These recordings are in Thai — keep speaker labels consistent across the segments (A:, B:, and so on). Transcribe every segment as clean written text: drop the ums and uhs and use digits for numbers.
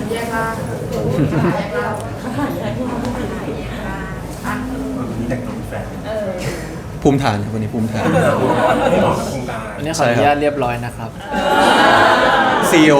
A: แยกล่างแยกล่าง
B: วันนี้แต่งตัวเป็นแฟน
C: ภูมิฐานครับวันนี้ภูมิฐาน
B: ไม่เหมาะกับโครงการ
D: อันนี้ขออนุญาตเรียบร้อยนะครับ
C: CEO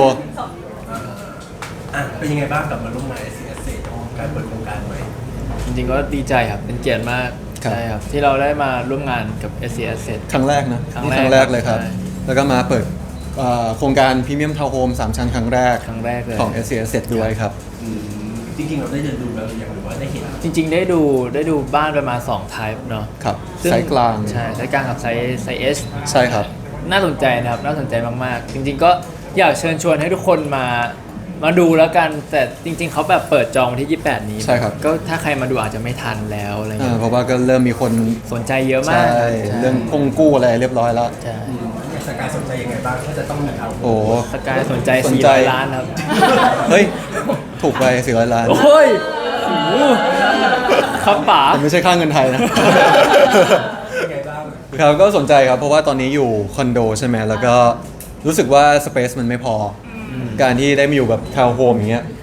B: เป็นยังไงบ้างกับมาร่วมงาน SCS การเปิดโครงการใหม่
D: จริงๆก็ดีใจครับเป็นเกียรติมาก
C: ครับ
D: ใช่ครับที่เราได้มาร่วมงานกับ SC Asset
C: ครั้งแรกนะ
D: ครั้ง
C: นี่
D: แรก
C: ครั้งแรกเลยครับ
D: ใช่
C: แล้วก็มาเปิดโครงการพรีเมียมทาวน์โฮม3ชั้นครั้งแรก
D: ครั้งแรกเลย
C: ของ SC Asset ด้วยครับ
B: จริงๆเราได้เดินดูแล้วหรือยังหรือว่าได้เห็น
D: จริงๆได้ดูบ้านประมาณ2 type เนาะ
C: ครับ
D: ซึ่ง
C: ไซส์กลาง
D: ใช่ไซส์กลางกับไซส์ S
C: ใช่ครับ
D: น่าสนใจนะครับน่าสนใจมากๆ จริงๆก็อยากเชิญชวนให้ทุกคนมาดูแล้วกัน แต่จริง ๆเขาแบบเปิดจองวันที่ 28 นี้
C: ใช่ครับ
D: ก็ถ้าใครมาดูอาจจะไม่ทันแล้วอะไรเงี้ย
C: เพราะว่าก็เริ่มมีคน
D: สนใจเยอะมา
C: ใช่
D: ก
C: เรื่องคงกู้อะไรเรียบร้อยแล้ว
D: ใช่
B: สกายสนใจยังไงบ้างถ้าจะต้องมีเอา
C: โอ้
D: สกายสนใจ
C: สนใจ
D: 400 ล้านครับ
C: เฮ้ย ถูกไป400 ล้าน
D: โอ้ยโอ้โหครับป๋า
C: แต่ไม่ใช่ค่าเงินไทยนะ
B: ยังไงบ้าง
C: ครับก็สนใจครับเพราะว่าตอนนี้อยู่คอนโดใช่ไหมแล้วก็รู้สึกว่าสเปซมันไม่พออการที่ได้มาอยู่แบบทาวน์โฮมอย่างเงี้ย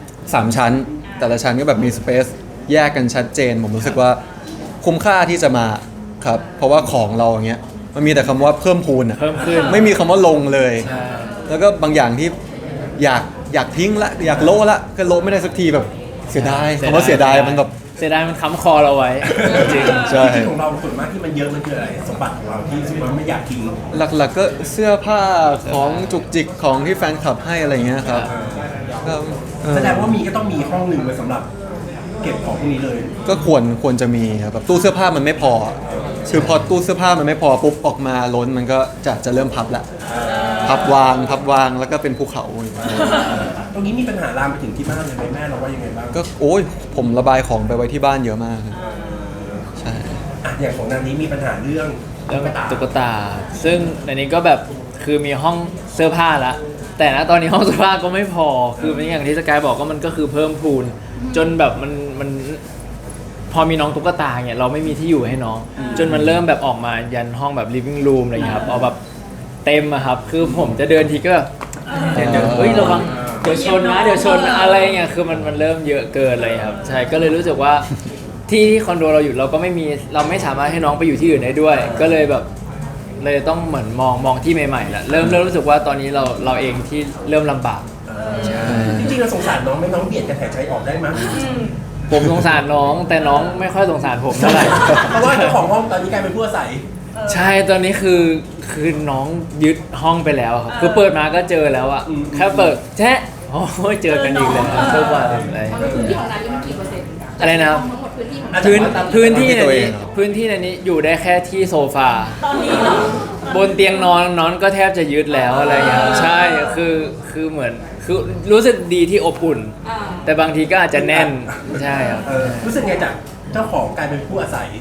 C: 3 ชั้น แต่ละชั้นก็แบบมีสเปซแยกกันชัดเจน ผมรู้สึกว่าคุ้มค่าที่จะมาครับเพราะว่าของเราอย่างเงี้ยมันมีแต่คำว่าเพิ่มพูนอะ
D: เพิ่มขึ้น
C: ไม่มีคำว่าลงเลย
D: ใช่
C: แล้วก็บางอย่างที่อยากทิ้งละอยากโละละก็โละไม่ได้สักทีแบบเสียดายคำว่าเสียดายมันแบบ
D: เสียดายมันค้ำคอเราไว้ จริง
C: ใช่
B: ของเราส่วนมากที่มันเยอะมันคืออะไรสมบัติของเราที่รู้สึกว่าไม่อยากทิ้ง
C: หลักๆก็เสื้อผ้าของจุกจิกของที่แฟนคลับให้อะไรเงี้ยครับก็เออ
B: แสดงว่ามีก็ต้องมีห้องหนึ่งไว้สำหรับเก็บของพวกนี้เลย
C: ก็ควรจะมีครับแบบตู้เสื้อผ้ามันไม่พอคือพอตู้เสื้อผ้ามันไม่พอปุ๊บออกมาล้นมันก็จะเริ่มพับละพับวางแล้วก็เป็นภูเขา
B: ตรงนี้มีปัญหาลามไปถึงที่บ้านเลยไหมแม่เราว่ายังไงบ้าง
C: ก็โอ้ยผมระบายของไปไว้ที่บ้านเยอะมากครับใช่
B: อย่างของนางนี้มีปัญหาเรื่อง
D: เรื่องตุ๊กตา ซึ่งในนี้ก็แบบคือมีห้องเสื้อผ้าละ แต่ณตอนนี้ห้องเสื้อผ้าก็ไม่พอ คือเป็นอย่างที่สกายบอกก็มันก็คือเพิ่มพูน จนแบบมันพอมีน้องตุ๊กตาเนี่ยเราไม่มีที่อยู่ให้น้อง จนมันเริ่มแบบออกมายันห้องแบบ living room อะไรอย่างเงี้ยครับเอาแบบเต็มอะครับ คือผมจะเดินทีก็แบบเดี๋ยวเฮ้ยระวังเดี๋ยวชนนะเดี๋ยวชนอะไรเงี้ยคือมันเริ่มเยอะเกินเลยครับ ใช่ก็เลยรู้สึกว่าที่คอนโดเราอยู่เราก็เราไม่สามารถให้น้องไปอยู่ที่อื่นได้ด้วย ก็เลยแบบเลยต้องเหมือนมองที่ใหม่ๆแหละเริ่มรู้สึกว่าตอนนี้เราเองที่เริ่มลำบาก
B: จริงๆเราสงสารน้องไหม่น้องเบียดกันหายใจออกได้มั้ย
D: ผมสงสารน้องแต่น้องไม่ค่อยสงสารผมเท่าไหร่
B: เพราะว่าเจ้าของห้องตอนนี้กลายเป็นผู้อาศัย
D: ใช่ตอนนี้คือน้องยึดห้องไปแล้วครับคือเปิดมาก็เจอแล้วอะแค่เปิดแชะโอ้ยเจอกันอีกแล้วทุกวันอะไร
A: พื้นที่ของนายนี่มันกี่เปอร์เซ็นต์
D: อะไรนะครับ
A: ทั้งหมดพื้นที่ของ
D: พื้นที่ในนี้พื้นที่ในนี้อยู่ได้แค่ที่โซฟา
A: ตอนนี้เหรอบ
D: นเตียงนอนก็แทบจะยึดแล้วอะไรอย่างเงี้ยใช่คือเหมือนคือรู้สึกดีที่อบอุ่น
A: อ่า
D: แต่บางทีก็อาจจะแน่นใช่ครับ
B: รู้สึกไงจากเจ้าของกลายเป็นผู้อาศัย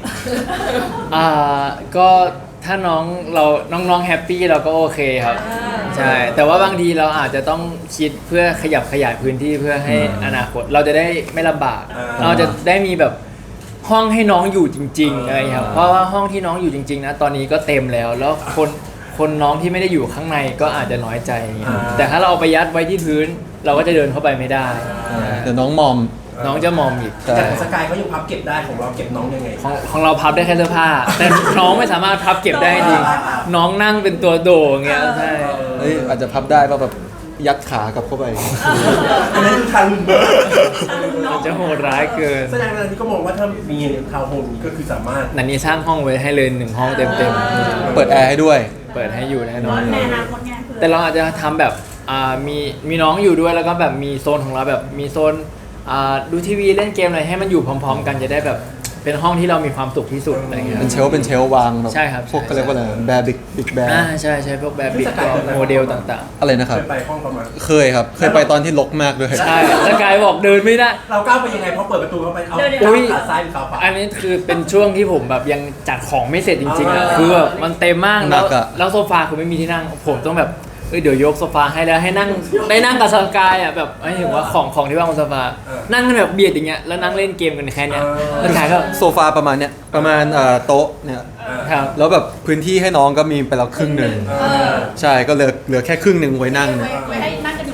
D: ก็ถ้าน้องแฮปปี้เราก็โอเคครับใช่แต่ว่าบางทีเราอาจจะต้องคิดเพื่อขยับขยายพื้นที่เพื่อให้อนาคตเราจะได้ไม่ลำบาก เราจะได้มีแบบห้องให้น้องอยู่จริงๆอะไรครับเพราะว่าห้องที่น้องอยู่จริงๆนะตอนนี้ก็เต็มแล้วคนน้องที่ไม่ได้อยู่ข้างในก็อาจจะน้อยใจอย่างเงี้ยแต่ถ้าเราเอาไปยัดไว้ที่พื้น เราก็จะเดินเข้าไปไม่ได้
C: เดี๋ยวน้องมอม
D: น้องจะมอมอีก
C: ใช่
B: แต่ของสกายเขายังพับเก็บได้ของเราเก็บน้องยังไง
D: ของเราพับได้แค่เสื้อผ้า แต่น้องไม่สามารถพับเก็บได้จริงน้องนั่งเป็นตัวโดอย่างเงี้ยใช่
C: เฮ้ยอาจจะพับได้ป่ะแบบยัดขากลับเข้าไป
B: อันนั้นคือทางเบอร์
D: มันจะโหดร้ายเกิน
B: แสดงว่าที่ก็มองว่าถ้ามีทาวน์โฮมนี้ก็คือสามารถ
D: นันนี้สร้างห้องไว้ให้เลย1 ห้องเต็ม
C: เปิดแอร์ให้ด้วย
D: ๆเปิดให้อยู่แน่นอน
A: ในอนาคตไงคือ
D: แต่เราอาจจะทำแบบมีน้องอยู่ด้วยแล้วก็แบบมีโซนของเราแบบมีโซนดูทีวีเล่นเกมอะไรให้มันอยู่พร้อมๆ กันจะได้แบบเป็นห้องที่เรามีความสุขที่สุดอะไรเงี้ย
C: เป็นเชลฟ์วางแบบ
D: ใช่ครับ
C: พวกก็เรียกว่าอะไรแบร์บิ๊กแบร์
D: ใช่พวกแบบบิ๊กโมเดลต่าง
C: อะไรนะครับ
B: เคยไปห้องประมาณ
C: เคยครับ เคยไปตอนที่รกมากด้วย
D: ๆ ใช่แล้วกายบอกเดินไม่ได้
B: เราก้าวไปยังไงพอเปิดประตูเข้าไปเอา
D: อุ๊ย
B: ขาซ้ายหรือขาขวา
D: อันนี้คือเป็นช่วงที่ผมแบบยังจัดของไม่เสร็จจริงๆอ่ะคือแบบมันเต็มมาก
C: หนักอะ
D: แล้วโซฟาคือไม่มีที่นั่งผมต้องแบบเดี๋ยวยกโซฟาให้แล้วให้นั่งได้นั่งกับสกายอ่ะแบบไม่ถึงว่าของที่ว่างบนโซฟานั่งกันแบบเบียดอย่างเงี้ยแล้วนั่งเล่นเกมกันแค่เนี้ยแล้วกายก็
C: โซฟาประมาณเนี้ยประมาณโต๊ะเนี่ย
D: ครับ
C: แล้วแบบพื้นที่ให้น้องก็มีไปแล้วครึ่งหนึ่งใช่ก็เหลือแค่ครึ่งหนึ่งไว้นั่งเนี่ย
A: ไว้ให้นั่งกันอยู่2 คน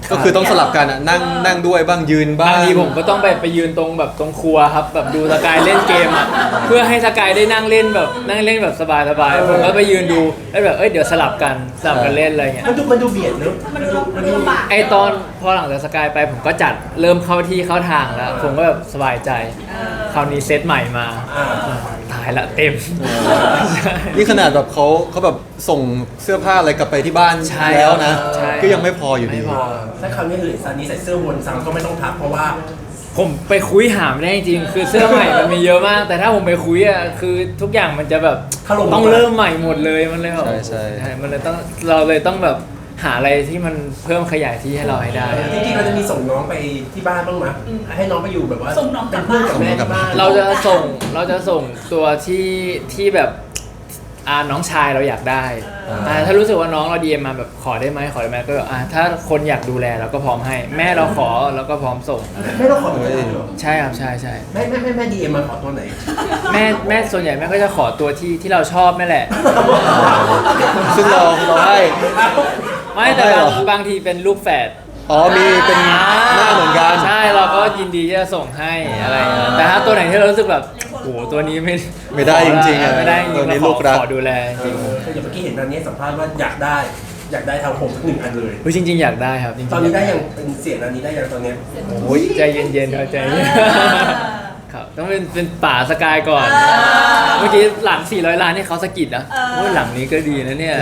C: ก็คือต้องสลับกันอะนั่งด้วยบ้างยืนบ้า
D: บาง งทีผมก็ต้องไปยืนตรงแบบตรงครัวครับแบบดูสกายเล่นเกมอ่ะเพื่อให้สกายได้นั่งเล่นแบบสบายๆผมก็ไปยืนดูแล้วแบบเดี๋ยวสลับกันเล่นอะไรเงี้ย
B: มันดูเบียดเนอะ
A: มันดูลำบาก
D: ไอตอนพอหลังจากสกายไปผมก็จัดเริ่มเข้าที่เข้าทางแล้ว ผมก็แบบสบายใจคราวนี้เซตใหม่มา ตายละเต็ม
C: นี่ขนาดแบบเขาแบบส่งเสื้อผ้าอะไรกลับไปที่บ้าน
D: ใช่
C: แล้วนะ
D: ใช่
C: ก็ยังไม่พออยู่ดี
D: ไม่พอ
B: ถ้าคราวนี้คือซานี้ใส่เสื้อวนซ้ำก็ไม่ต้องทักเพราะว่า
D: ผมไปคุยหาไม่ได้จริงๆคือเสื้อใหม่มันมีเยอะมาก แต่ถ้าผมไปคุยอ่ะคือทุกอย่างมันจะแบบ
B: ถล่ม
D: ต้องเริ่มใหม่หมดเลยมันเลยแบบ
C: ใช่
D: มันเลยต้องเราเลยต้องแบบหาอะไรที่มันเพิ่มขยายที่ให้เราให้ได้อะ
B: จริงๆเราจะมีส่งน้องไปที่บ้านบ้างไหมให้น้องไปอยู่แบบว่าเป็นเพื่อนกับแม่ที่บ้าน
D: เราจะส่งตัวที่แบบน้องชายเราอยากได้ถ้ารู้สึกว่าน้องเราดีเอ็มมาแบบขอได้ไหมก็แบบถ้าคนอยากดูแลเราก็พร้อมให้ แม่เราขอเราก็พร้อมส่ง
B: ไม่ต้องขอตัวไหนหรอ
D: ใช่ครับใช่
B: แม่ดีเอ็มมาขอตัวไหน
D: แม่ส่วนใหญ่แม่ก็จะขอตัวที่เราชอบนั่นแหละ
C: ซึ่งเราให้
D: ไม่แต่
C: ไม่หรอ
D: บางทีเป็นลูกแฝด
C: อ๋อมีเป็นหน้าเหมือนกัน
D: ใช่เราก็ยินดีที่จะส่งให้อะไรอย่างเงี้ยแต่ถ้าตัวไหนที่เรารู้สึกแบบโอ้โหตัวนี้ไม่
C: ไม่ได้จริงๆอะ
D: ไม่ได้จริงๆ
C: ตัวนี้
D: เรา
C: ลูกรัก
D: ขอดูแลจริง
B: อย่างเมื่อกี้เห็นตอนนี้สัมภาษณ์ว่าอยากได้ทำผมหนึ่งอันเลย
D: จริงๆอยากได้ครับจริงๆ
B: ตอนนี้ได้ยังเป็นเสียงอันนี้ได้ยังตอนเนี้ย
D: โอ้ยใจเย็นๆครับใจเย็นครับต้องเป็นป่าสกายก่อน เมื่อกี้หลัง400 ล้านนี่เขาสะกิดนะโอ้ยหลังนี้ก็ดีนะเนี่ย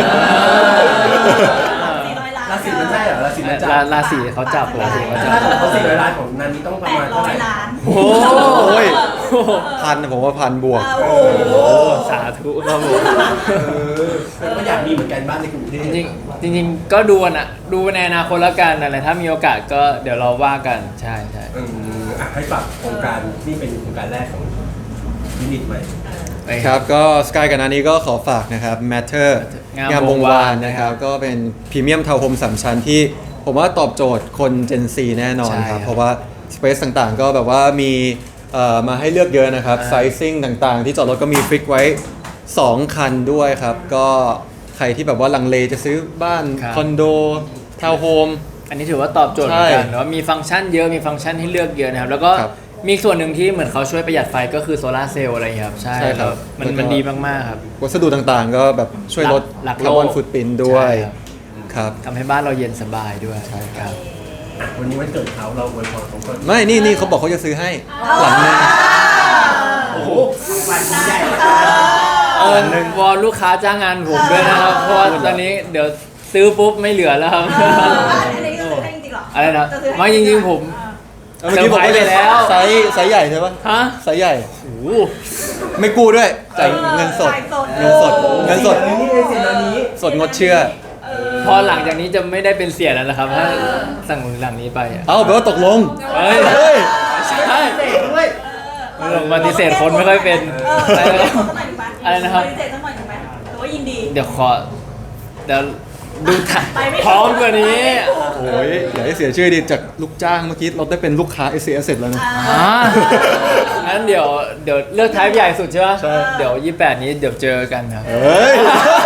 B: ราศีมันใช่เหรอราศีมันจับ
D: ราศีเขาจับราศีเขาจับ
B: ถ้าของเขา400 ล้านของนันนี้ต้องประมาณเท่าไหร่
A: 800 ล้าน
D: โอ้
C: โอ้ย
D: โห
C: พันผมว่าพันบวก
A: โอ้โห
D: สาธุครับผม
B: ก็อยากมีเหมือนกันบ้านในกรุงเทพ
D: จริงๆก็ดูนะดูในอนาคตแล้วกันอะไรถ้ามีโอกาสก็เดี๋ยวเราว่ากันใช่
B: ให้ฝากโครงการนี่เป็นโครงการแรกของยูนิตใหม่
C: ครับก็สกายกับนานี้ก็ขอฝากนะครับ Matter งามวงวานนะครับก็เป็นพรีเมียมทาวน์โฮม3ชั้นที่ผมว่าตอบโจทย์คน Gen Z แน่นอนครับ เพราะว่าสเปซต่างๆ ก็แบบว่ามีมาให้เลือกเยอะนะครับไซซิ่งต่างๆ ที่จอดรถก็มีฟิกไว้ 2 คันด้วยครับ ก็ใครที่แบบว่าลังเลจะซื้อบ้านคอนโดทาวน์โฮม
D: อันนี้ถือว่าตอบโจทย์เหมือนกันเนาะมีฟังก์ชันเยอะมีฟังก์ชันให้เลือกเยอะนะครับแล้วก็
C: ครับ
D: มีส่วนหนึ่งที่เหมือนเขาช่วยประหยัดไฟก็คือโซลาร์เซลล์อะไรอย่างเงี้ยครับใช่
C: ใช่ครับ
D: มัน
C: แล้วก็
D: มันดีมากๆครับ
C: วัสดุต่างๆ ก็แบบช่วยลด
D: หลักโลก
C: คาร์บอนฟุตปรินท์ด้วย
D: ใช่ครับ
C: ครับ
D: ทำให้บ้านเราเย็นสบายด้วย
C: ใช่ครับ
B: วันนี้วันเกิดเขาเราอวยพรเขาก่อน
C: ไม่นี่เขาบอกเขาจะซื้อให้หลังนึง
B: โอ้โหวันใหญ่
D: วอนลูกค้าจ้างงานผมด้วยนะครับเพราะว่าตอนนี้เดี๋ยวซื้อปุ๊บไม่เหลือแล้วครับ
A: อันนี้ก็ซื้อให้จริงๆเหรอ
D: อะไรนะ
A: จะซื้อให้
D: ไม่จริงๆผม
C: เมื่อกี้บอกว่า
D: เซอร์ไพรส์ไปแล้ว
C: ไซส์ใหญ่ใช่ปะ
D: ฮะ
C: ไซส์ใหญ่
D: โอ้โห
C: ไม่กู้ด้วยจ่ายเงินสด
A: จ่ายสด
C: เงินสดเงินสด
B: นี่เลยเสียงอันนี้
C: สดงดเชื่อ
D: พอหลังจากนี้จะไม่ได้เป็นเสียแล้วนะครับถ้าสั่งหลังนี้ไปอะ
C: เอาแปลว่าตกลง
D: เฮ้ย
C: เฮ้ย
D: ใช่
B: ด้วย
D: ปฏิเสธคนไม่ค่อยเป็น อะไรนะครับ
A: ปฏิเสธสักหน่อยถูกไหมหรือว่ายินดี
D: เดี๋ยวดูถ่าย
A: ไปไม่ถูก
D: พร้อมกว่านี้
C: โอ้ยอย่าให้เสียชื่อดิจากลูกจ้างเมื่อกี้เราได้เป็นลูกค้า s อ s แล้วนะ
D: งั้นเดี๋ยวเลือกท้ายใหญ่สุดใช่ไหม
C: ใช่
D: เดี๋ยว28นี้เดี๋ยวเจอกันครับ
C: เฮ้ย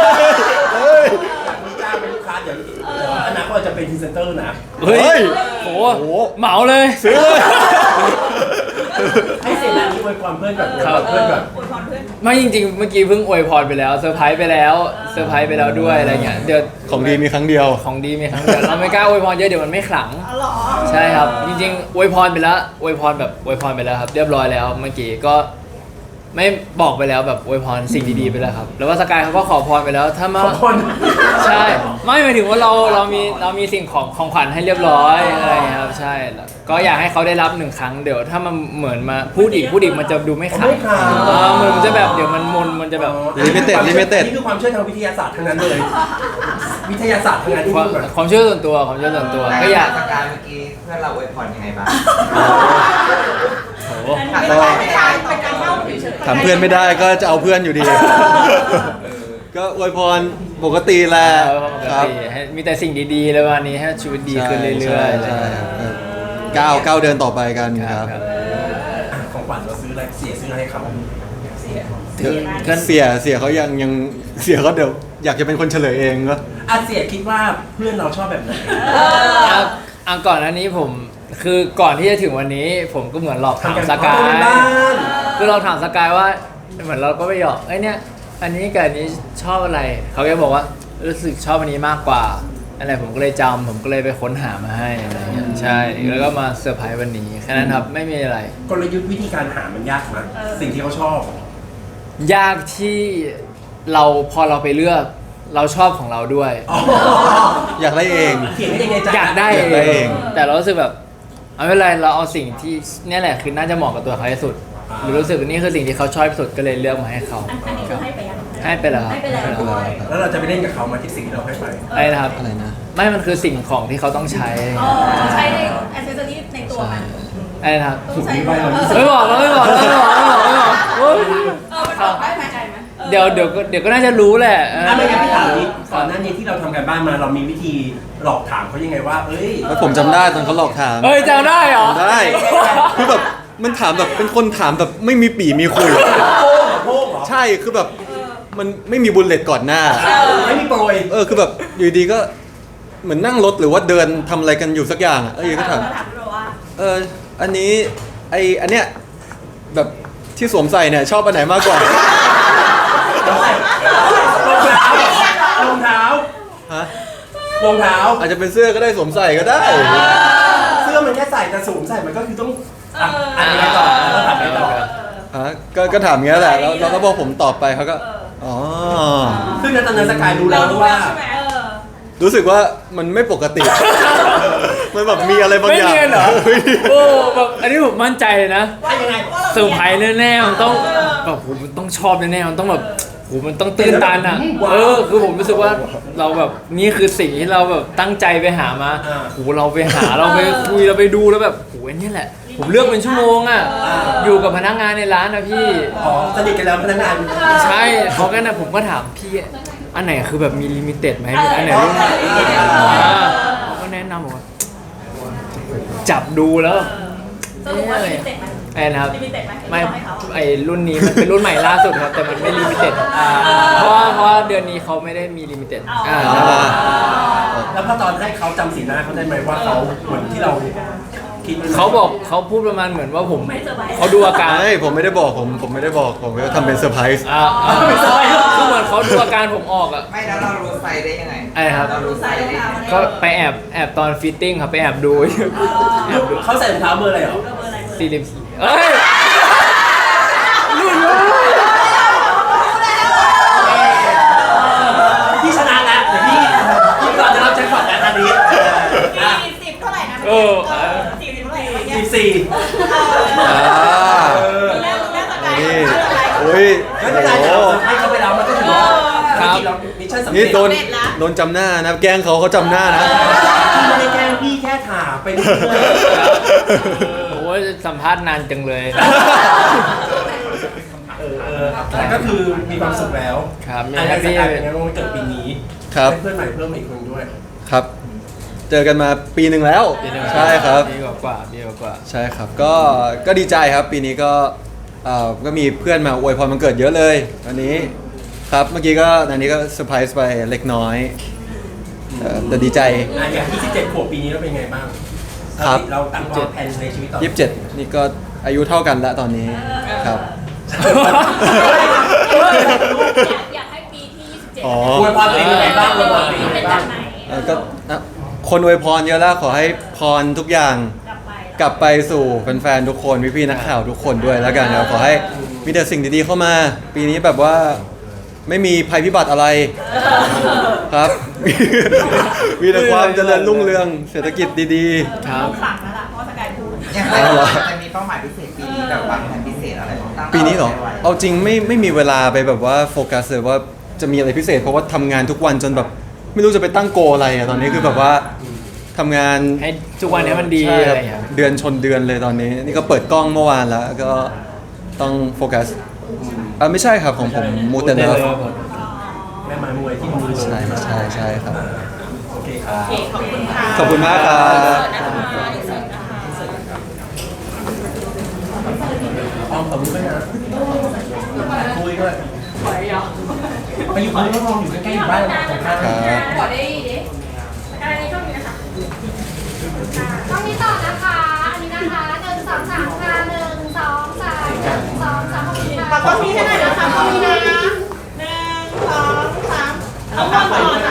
B: ลูกจ้างเป็นลูกค้าเดี๋ยวอนาคตจะเป็นพรีเซนเตอร์นะ
C: เฮ้ย
D: โห
C: โห
D: เหมาเลย
C: ซื้อเลย
B: ให้เสียงอันนี้อวยความเพื่อนแบบ
D: ครับ
B: เพื่อนแบบ
A: อวยพรเพื่อน
D: ไม่จริงๆ เมื่อกี้เพิ่งอวยพรไปแล้วเซอร์ไพรส์ไปแล้วด้วยอะไรเงี้ยเดี๋ยว
C: ของดีมีครั้งเดียว
D: ของดีมีครั้งเดียวเราไม่กล้าอวยพรเยอะเดี๋ยวมันไม่ขลัง
A: อ๋อเหรอ
D: ใช่ครับ จริงๆอวยพรไปแล้วอวยพรไปแล้วครับ เรียบร้อยแล้วเมื่อกี้ก็ไม่บอกไปแล้วแบบอวยพรสิ่งดีๆไปแล้วครับ แล้วว่าสกายเขาก็ขอพรไปแล้วถ้ามา
B: ขอบคน
D: ใช่ไม่หมายถึงว่าเรามีสิ่งของขวัญให้เรียบร้อยอะไรอย่างเงี้ยครับใช่แล้วก็อยากให้เขาได้รับ1 ครั้งเดี๋ยวถ้ามันเหมือนมาพูดอีกมันจะดูไม่ขลัง
B: ไม่ขลัง
D: เหมือนมันจะแบบเดี๋ยวมันจะแบบ
C: Limited
B: นี่คือความเชื่อทางวิทยาศาสตร์ทั้งนั้นเลย วิทยาศาสตร์ทั้งนั้นที่
D: ความ
B: พูดแบบ
D: ความเชื่อส่วนตัวก็อยาก
E: สกายเมื่อกี้เพื่อนเราอวยพรยังไงบ้าง
D: โอ้โห
A: อันนี้เป็นการเล่าเฉยๆ
C: ถามเพื่อนไม่ได้ก็จะเอาเพื่อนอยู่ดี ก็อวยพรปกติแหละ
D: ปกติให้มีแต่สิ่งดีๆเลยวันนี้ให้ชีวิตดีขึ้นเรื่อยๆ
C: ใช่ก้าวเดินต่อไปกันครับ
B: ของขวัญเราซื้ออะไรซื้อให้เขา
D: ก็
C: เสียเขายังเสียเขาเดี๋ยวอยากจะเป็นคนเฉลยเองก็
B: อาเสียคิดว่าเพื่อนเราชอบแบบไหน
D: ก่อนหน้านี้ผมคือก่อนที่จะถึงวันนี้ ผมก็เหมือนหลอกถามสกาย
B: บ้าน
D: คือเราถามสกายว่าเหมือนเราก็ไปหยอกไอ้เนี่ยอันนี้กับอันนี้ชอบอะไรเขาก็บอกว่ารู้สึกชอบอันนี้มากกว่าอะไรผมก็เลยจำผมก็เลยไปค้นหามาให้อะไรเงี้ยใช่แล้วก็มาเซอร์ไพรส์วันนี้แค่นั้นครับไม่มีอะไร
B: กลยุทธ์วิธีการหามันยากไหมสิ่งที่เขาชอบ
D: ยากที่เราพอเราไปเลือกเราชอบของเราด้วย
C: อยากได้เอง
B: เขียนให้ในใจ
D: อยากได้
C: อยากได้
D: เอ
C: เอง ง
D: แต่เรารู้สึกแบบเอาไม่เป็นไรเราเอาสิ่งที่เนี่ยแหละคือน่าจะเหมาะกับตัวเขาที่สุดหรือรู้สึกว่านี่คือสิ่งที่เขาชอบที่สุดก็เลยเลือกมาให้เขา
A: อันนี้คือให้ไปยัง
D: ให้ไปแล้ว
A: ให้ไปแล้ว
B: แล้วเราจะไปเล่นกับเขามาที่สิ่งที่เราให้ไป
D: ไอ้นะครับ
C: อะไรนะ
D: ไม่มันคือสิ่งของที่เขาต้องใช้
A: อ๋อใช้ในแอสเซสซอรี่ในตัวมัน
D: ไอ้นะครับ
A: ต้องใช้
D: ไม่บอกแล้วไม่บอกแล้วไม่บอกโอ๊ย
A: มันบอกได้ไหมไหม
D: เดี๋ยวก็น่าจะรู้แหละ
B: ไม่งั้นพี่ถามนี้ก่อนหน้านี้ที่เราทำกันบ้านมาเรามีวิธีหลอกถามเขายังไงว่า เอ้ย
C: แล้วผมจำได้ตอนเขาหลอกถาม
D: เฮ้ยจำได้เหรอ
C: จำได้ คือแบบมันถามแบบเป็นคนถามแบบไม่มีปี่มีคุย
B: โพ่งเหรอ
C: ใช่คือแบบมันไม่มีบุลเลตก่อนหน้า
B: ไม่มีโปรย
C: คือแบบอยู่ดีก็เหมือนนั่งรถหรือว่าเดินทำอะไรกันอยู่สักอย่างอ่ะอยู่ก็ถาม
A: ถามเราว่า
C: อันนี้อันเนี้ยแบบที่สวมใส่เนี่ยชอบอันไหนมากกว่า
B: รองเท้า
C: ฮะ
B: รองเท้า
C: อาจจะเป็นเสื้อก็ได้สวมใส่ก็ได้
B: เสื้อมันแค่ใส่แต่สวมใส่มันก็คือต้องอันนี้ต่อแล้วถามไปต่อ
C: ฮะก็ถามอย่างเงี้ยแหละแล้วเราก็บอกผมตอบไปเขาก็อ๋อ
B: ซึ่งในตอนนั้นสกายรู้แล้ว
A: รู้
B: ว่า
A: แล้วใช่ไหม
C: รู้สึกว่ามันไม่ปกติ มันแบบมีอะไรบาง
D: ไม่
C: อย่าง
D: เนียนเหรอ
C: ไม่เนียน
D: โอ้แบบอันนี้ผมมั่นใจเลยนะ
B: ว่ายังไง
D: เซอร์ไพรส์แน่ๆมันต้องแบบโหมันต้องชอบแน่ๆมันต้องแบบโหมันต้องตื่นตันอ่ะคือผมรู้สึกว่าเราแบบนี่คือสิ่งที่เราแบบตั้งใจไปหามาโหเราไปหาเราไปคุยเราไปดูแล้วแบบโหอันนี้แหละ ผมเลือกเป็นชั่วโมงอ่ะอยู่กับพนักงานในร้านนะพี่
B: อ๋อสนิทกันแล้วพนักงาน
D: ใช่เขาก็นะผมก็ถามพี่อันไหนคือแบบมีลิมิเต็ดไหมอันไหนรุ่นไหนเขาก็แนะนำบอกว่าจับดูแล้ว
A: สรุปว่าลิมิเต็ดไหม
D: ไอ้นะครับ
A: ลิมิเต็ดไหม
D: ไม่
A: ให้เขา
D: ไอ้รุ่นนี้มันเป็นรุ่นใหม่ล่าสุดครับแต่มันไม่ลิมิเต็ดเพราะว่าเดือนนี้เขาไม่ได้มีลิมิเต็ด
B: แล้วพอตอนให้เขาจำสีหน้าเขาได้ไหมว่าเขาเหมือนที่เราคิดไว้ไหม
D: เขาบอกเขาพูดประมาณเหมือนว่าผมเขาดูอาการ
C: ไม่ผมไม่ได้บอกผมไม่ได้บอกผมก็ทำเป็นเซอร์ไพรส์
D: คือเหมือนเขาดูอาการผมออกอ่ะ
E: ไม่แล้วเรารู้ไซส์ได้ยังไง
D: ไอ้ครับ
E: เรารู้ไซส์ได้ยังไง
D: ก็ไปแอบตอนฟิตติ้งครับไปแอบดูแอบดู
B: เขาใส่รองเท้าเบอร์อะไรเหรอ
D: 44เอ้ยรุ่น
B: พี่ชนะแล้วเดี๋ยวพี่ก่อนจะรับแจ็คพอตแล้วตอนนี้
A: 40เท่าไหร่นะ40เท่าไหร่
B: 14
A: แรกสกาย
C: นี่
A: อะไร
C: โอ้ย
B: ไม่เป็นไรแต่เราให้เขาไปแล้วมันก็ถือว่าจริงๆเรามิชชั่นสำเร็
C: นี่
B: จ
C: โดนจำหน้านะแกล้งเขาจำหน้านะ
B: พี่ไม่ได้แกล้งพี่แค่ถามไปเรื่อย
D: โอ้ยสัมภาษณ์นานจังเลย
B: แต่ก็คือมีความสุขแล้ว
D: ครับมี
B: อัน
D: แฮ
B: นี้
D: ป
B: ส
D: ปี้
B: กายเป็นไงบ้างวันเกิดปีนี้
C: ครับ
B: ให้เพื่อนใหม่เพิ่มอีกคนด้วย
C: ครับ เจอกันมาปีหนึ่งแล้ว ใช่ครับ
D: ปีกว่า
C: ใช่ครับก็ดีใจครับปีนี้ก็มีเพื่อนมาอวยพรวันเกิดเยอะเลยวันนี้ครับเมื่อกี้ก็อันนี้ก็เซอร์ไพรส์ไปเล็กน้อยแต่ดีใจ
B: อย่าง27ขวบปีนี้เราเป็นไงบ้าง
C: ครับ
B: เราตั้งวางแผนในชีวิตต่อ
C: 27นี่ก็อายุเท่ากันแล้วตอนนี้ครับ
A: อยากให้ปีที่27
C: อ๋อ
B: อวยพรตัวเองยังไงบ้างอวยพรตัวเองยังไง
A: เป็นแบ
B: บ้าง
A: บไหน
C: ก็คนอวยพรเยอะแล้วขอให้พรทุกอย่าง
A: กลับไป
C: กลับไปสู่แฟนๆทุกคนพี่ๆนักข่าวทุกคนด้วยแล้วกันครับขอให้มีแต่สิ่งดีๆเข้ามา ปีนี้แบบว่าไม่มีภัยพิบัติอะไรครับ มีแต่ความเจริญรุ่งเรืองเศรษฐกิจดี
D: ครับ
A: สั่งแล้วล่ะเพราะว่าสกายพูด
E: ยังไงจะมีเป้าหมายพิเศษปีนี้แบบวางแผนพิเศษอะไรตั้ง
C: ๆ ปีนี้เหรอ
E: ไว้
C: เอาจริงไม่มีเวลาไปแบบว่าโฟกัสเลยว่าจะมีอะไรพิเศษเพราะว่าทำงานทุกวันจนแบบไม่รู้จะไปตั้งโกอะไรอะตอนนี้คือแบบว่าทำงาน
D: ให้ทุกวันนี้มันดี
C: ใช่
D: อะไร
C: ครับ
D: อย่างเงี้ย
C: เดือนชนเดือนเลยตอนนี้ นี่ก็เปิดกล้องเมื่อวานแล้วก็ต้องโฟกัสไม่ใช่ครับของผมมูเตเนอร์
B: แม่ไม้มวยที่มือ
C: ใช่ครับ
B: โอเคครับ
A: โอเคขอบคุณค่ะ
C: ขอบคุณมากครับ
B: อ้อมขอบคุณด้วยนะคุยด้วย
A: ขอ
B: ไปอยู่คนมองอยู่ใกล้ๆอยู่บ้านเราตรงข้าม
C: ครับ
A: ขอได้ดิการนี้ช่วงนี้นะคะ
F: ต้องนี้ต่อนะคะ อันนี้นะคะ1 2 3ค่ะ1 2 3 1 2 3ขอบคุณค่ะ
A: ขอต้องมีให้หน่อยนะคะต้องมีนะ1 2 3เอาก่อนก่อนนะ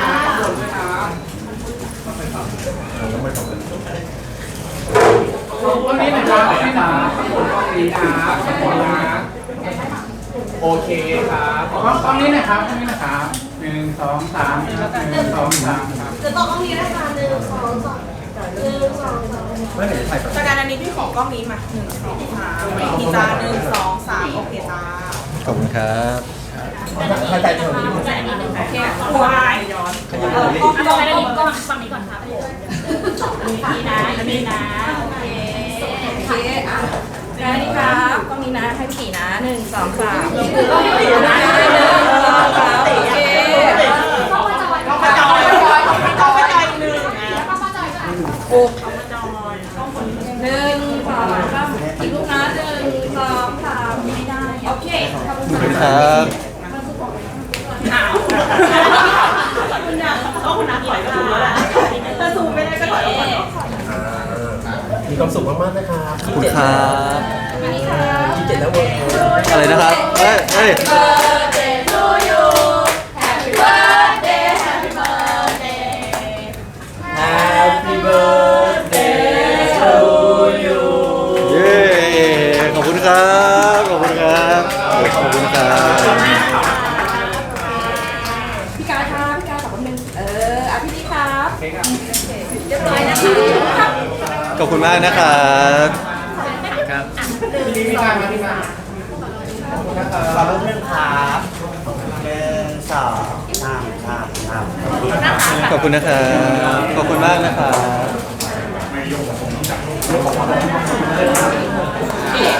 E: วันนี้นะครับพี่นะขอบคุณกล้องนี้นะขอบคุณนะโอเคครับกล้องนี้นะครับกล้องนี้นะครับ1 2 3ครับ1 2 3ครับ
F: จะต่อกล้องนี้นะคะ1 2 2 1 2 2
B: ไม่เห็นจะถ่ายก่อน
A: จากการอันนี้พี่ขอกล้องนี้มา1 2 3ไม่กี่จ้า1 2 3โอเคจ้า
C: ขอบคุณครับ
B: ถ่ายใจเธอ
A: โอเคควายย้อนเอาอันนี้ก่อนฝั่งนี้ก่อนครับนี่นะนี่นะโอเคโอเคอ่ะได้นี่ครับกล้องนี้นะให้พี่นะ1 2 3กล้องนี้นะ1 2 3โอเค
F: เข้ามาจอย
A: กล้องมาจอยกล้องมาจอย1
F: แล้วก็มาจอยก็
A: โอ้กล้องมาจอยกล้องคน1 2 3อีกลูกนะ1 2 3ไม่ได้โอเคขอบคุณ
C: ขอบคุณครับ
A: อ้าวคุณนะต้องคุณนะถอยก็ถูกแล้วแหละถ้าซูมไม่ได้ก็ถอยออกก่อน
B: มีความสุขมากๆนะครับ
C: ขอบคุณครับ
B: 27แล้วเวิร์ก
C: อะไรนะครับเฮ้ยเฮ้ย
A: Birthday to you Happy birthday Happy birthday
B: Happy birthday to you
C: เย้ขอบคุณครับขอบคุณครับขอบคุณครับ
A: พี่กายครับพี่กายขอบคุณนึงอ่ะพี่นี่ครับเรียบร้อยนะคะ
C: ขอบคุณมากนะครับ
D: ครับ
E: พี่การมาที่มา
B: ขอบคุณครับ1 2 3ครับ
C: ขอบคุณนะครับ ขอบคุณมากนะครับ